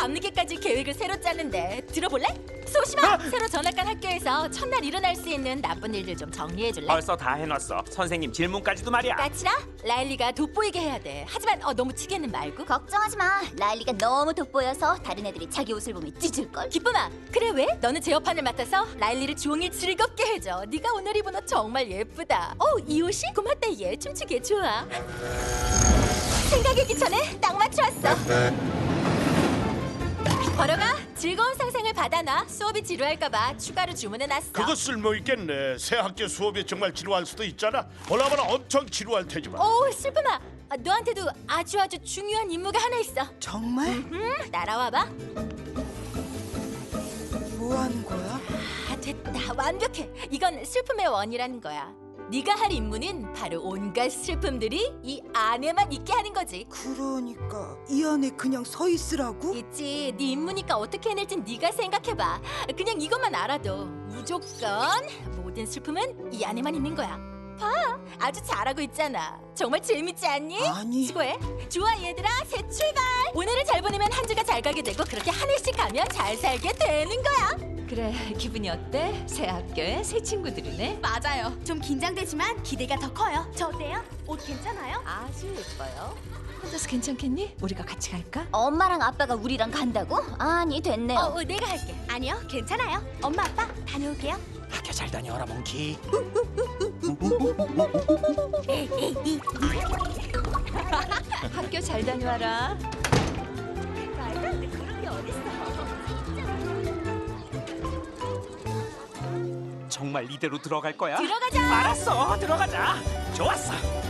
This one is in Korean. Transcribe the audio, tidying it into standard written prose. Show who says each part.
Speaker 1: 밤늦게까지 계획을 새로 짜는데 들어볼래? 소심아, 새로 전학 간 학교에서 첫날 일어날 수 있는 나쁜 일들 좀 정리해줄래?
Speaker 2: 벌써 다 해놨어. 선생님 질문까지도 말이야.
Speaker 1: 까칠아, 라일리가 돋보이게 해야 돼. 하지만 너무 튀게는 말고.
Speaker 3: 걱정하지 마. 라일리가 너무 돋보여서 다른 애들이 자기 옷을 보면 찢을걸.
Speaker 1: 기쁨아, 그래 왜? 너는 제어판을 맡아서 라일리를 종일 즐겁게 해줘. 네가 오늘 입은 옷 정말 예쁘다. 이 옷이? 고맙다 얘. 춤추기에 좋아. 생각하기 전에 딱 맞춰왔어. 걸어가. 즐거운 상상을 받아놔. 수업이 지루할까봐 추가로 주문해놨어.
Speaker 4: 그거 쓸모있겠네. 새 학기 수업이 정말 지루할 수도 있잖아. 보나마나 엄청 지루할 테지만.
Speaker 1: 슬픔아, 너한테도 아주 중요한 임무가 하나 있어.
Speaker 5: 정말?
Speaker 1: 따라와봐.
Speaker 5: 뭐 하는 거야?
Speaker 1: 됐다. 완벽해. 이건 슬픔의 원이라는 거야. 네가 할 임무는 바로 온갖 슬픔들이 이 안에만 있게 하는 거지.
Speaker 5: 그러니까 이 안에 그냥 서 있으라고?
Speaker 1: 있지. 네 임무니까 어떻게 해낼진 네가 생각해봐. 그냥 이것만 알아도 무조건 모든 슬픔은 이 안에만 있는 거야. 봐, 아주 잘하고 있잖아. 정말 재밌지 않니?
Speaker 5: 아니.
Speaker 1: 수고해. 좋아 얘들아, 새 출발. 오늘을 잘 보내면 한 주가 잘 가게 되고 그렇게 한 해씩 가면 잘 살게 되는 거야.
Speaker 6: 그래, 기분이 어때? 새 학교에 새 친구들이네.
Speaker 3: 맞아요. 좀 긴장되지만 기대가 더 커요. 저 어때요? 옷 괜찮아요?
Speaker 1: 아주 예뻐요.
Speaker 6: 혼자서 괜찮겠니? 우리가 같이 갈까?
Speaker 3: 엄마랑 아빠가 우리랑 간다고? 아니 됐네요.
Speaker 1: 내가 할게.
Speaker 3: 아니요, 괜찮아요. 엄마 아빠 다녀올게요.
Speaker 2: 학교 잘 다녀와라 몽키.
Speaker 6: 학교 잘 다녀와라.
Speaker 1: 말도 안 돼. 그런 게 어딨어.
Speaker 2: 정말 이대로 들어갈 거야?
Speaker 1: 들어가자.
Speaker 2: 알았어, 들어가자. 좋았어.